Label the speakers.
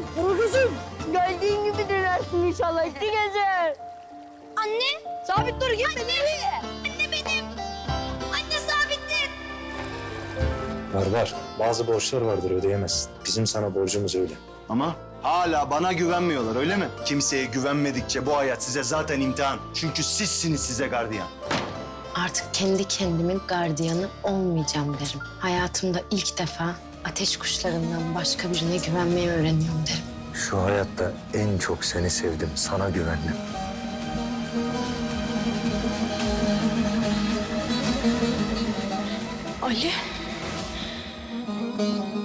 Speaker 1: Kızım, geldiğin gibi dönersin inşallah iki gece.
Speaker 2: Anne!
Speaker 1: Sabit dur, gitme nereye?
Speaker 2: Anne benim! Anne Sabittin!
Speaker 3: Var. Bazı borçlar vardır ödeyemezsin. Bizim sana borcumuz öyle.
Speaker 4: Ama hala bana güvenmiyorlar öyle mi? Kimseye güvenmedikçe bu hayat size zaten imtihan. Çünkü sizsiniz size gardiyan.
Speaker 5: Artık kendi kendimin gardiyanı olmayacağım derim. Hayatımda ilk defa ateş kuşlarından başka birine güvenmeyi öğreniyorum derim.
Speaker 3: Şu hayatta en çok seni sevdim, sana güvendim.
Speaker 1: Ali.